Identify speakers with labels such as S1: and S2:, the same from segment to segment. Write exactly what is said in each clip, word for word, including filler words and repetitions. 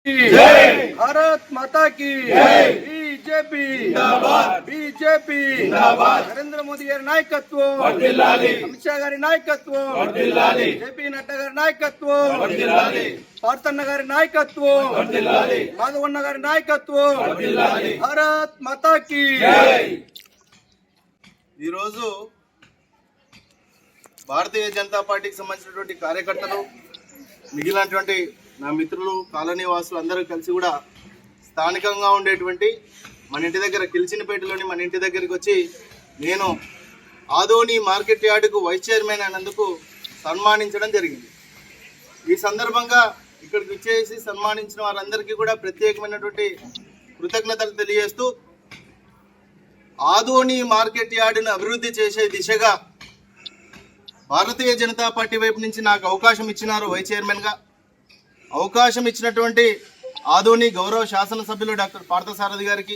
S1: भारत माता की BJP BJP Narendra Modi गारी नायकत्व अमित शाह गारी नायकत्व जेपी नड्डा गारी नायकत्व पार्थन्न गारी नायकत्व माधवन्न गारी नायकत्व भारत माता की
S2: ఈరోజు భారతీయ జనతా పార్టీకి సంబంధించినటువంటి కార్యకర్తలు మిగిలినటువంటి నా మిత్రులు కాలనీ వాసులు అందరూ కలిసి కూడా స్థానికంగా ఉండేటువంటి మన ఇంటి దగ్గర కిల్చినపేటలోని మన ఇంటి దగ్గరికి వచ్చి నేను ఆదోని మార్కెట్ యార్డుకు వైస్ చైర్మన్ అయినందుకు సన్మానించడం జరిగింది. ఈ సందర్భంగా ఇక్కడికి వచ్చేసి సన్మానించిన వారందరికీ కూడా ప్రత్యేకమైనటువంటి కృతజ్ఞతలు తెలియజేస్తూ ఆదోని మార్కెట్ యార్డును అభివృద్ధి చేసే దిశగా భారతీయ జనతా పార్టీ వైపు నుంచి నాకు అవకాశం ఇచ్చినారు వైస్ చైర్మన్గా. అవకాశం ఇచ్చినటువంటి ఆదోని గౌరవ శాసనసభ్యులు డాక్టర్ పార్థసారథి గారికి,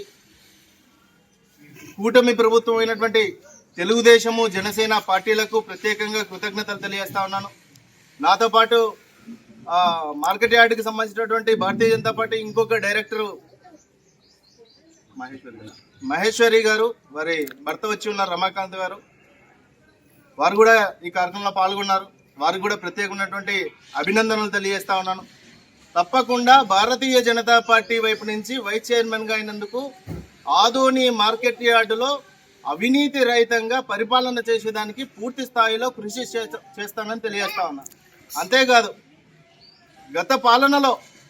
S2: కూటమి ప్రభుత్వం అయినటువంటి తెలుగుదేశము జనసేన పార్టీలకు ప్రత్యేకంగా కృతజ్ఞతలు తెలియజేస్తా ఉన్నాను. నాతో పాటు మార్కెట్ యార్డుకి సంబంధించినటువంటి భారతీయ జనతా పార్టీ ఇంకొక డైరెక్టరు మహేశ్వరి మహేశ్వరి గారు, వారి భర్త వచ్చి ఉన్నారు రమాకాంత్ గారు, వారు కూడా ఈ కార్యక్రమంలో పాల్గొన్నారు. వారికి కూడా ప్రత్యేకమైనటువంటి అభినందనలు తెలియజేస్తా ఉన్నాను. తప్పకుండా భారతీయ జనతా పార్టీ వైపు నుంచి వైస్ చైర్మన్గా అయినందుకు ఆదోని మార్కెట్ యార్డులో అవినీతి రహితంగా పరిపాలన చేసేదానికి పూర్తి స్థాయిలో కృషి చేస్తానని తెలియజేస్తా ఉన్నాను. అంతేకాదు, గత పాలనలో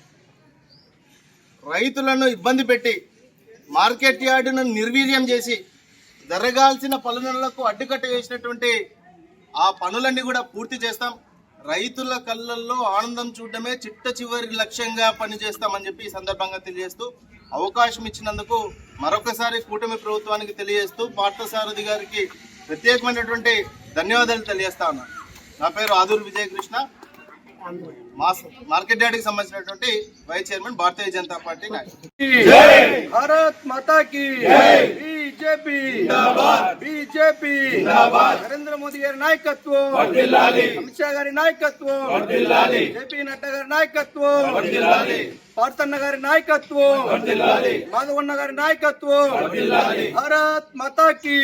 S2: రైతులను ఇబ్బంది పెట్టి మార్కెట్ యార్డును నిర్వీర్యం చేసి జరగాల్సిన పనులకు అడ్డుకట్ట వేసినటువంటి ఆ పనులన్నీ కూడా పూర్తి చేస్తాం. రైతుల కళ్ళల్లో ఆనందం చూడడమే చిట్ట చివరి లక్ష్యంగా పనిచేస్తామని చెప్పి ఈ సందర్భంగా తెలియజేస్తూ అవకాశం ఇచ్చినందుకు మరొకసారి కూటమి ప్రభుత్వానికి తెలియజేస్తూ పార్థసారథి గారికి ప్రత్యేకమైనటువంటి ధన్యవాదాలు తెలియజేస్తా ఉన్నాను. నా పేరు ఆదూరు విజయకృష్ణ, మార్కెట్ యార్డుకి సంబంధించినటువంటి vice chairman Bharatiya Janata party నాయకుడు.
S1: भारत माता की बीजेपी बीजेपी नरेंद्र मोदी गारी नायकत्व अमित शाह गारी नायकत्व जेपी नड्डा गारी नायकत्व पार्थन्न गारी नायकत्व माधवन्न गारी नायकत्व भारत माता की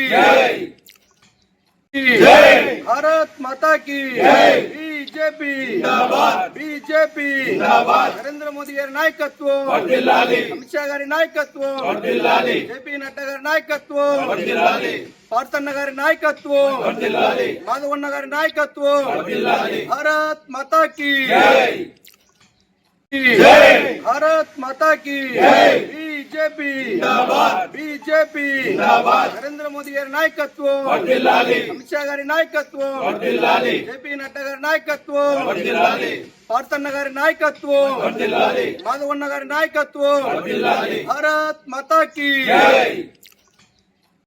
S1: भारत माता की बीजेपी बीजेपी नरेंद्र मोदी गारी नायकत्व अमित शाह गारी नायकत्व जेपी नड्डा गारी नायकत्व पार्थन्न गारी नायकत्व माधवन्न गारी नायकत्व भारत माता की भारत माता की बीजेपी बीजेपी नरेंद्र मोदी गारी नायकत्व अमित शाह गारी नायकत्व जेपी नड्डा गारी नायकत्व पार्थन्न गारी नायकत्व माधवन्न गारी नायकत्व भारत माता की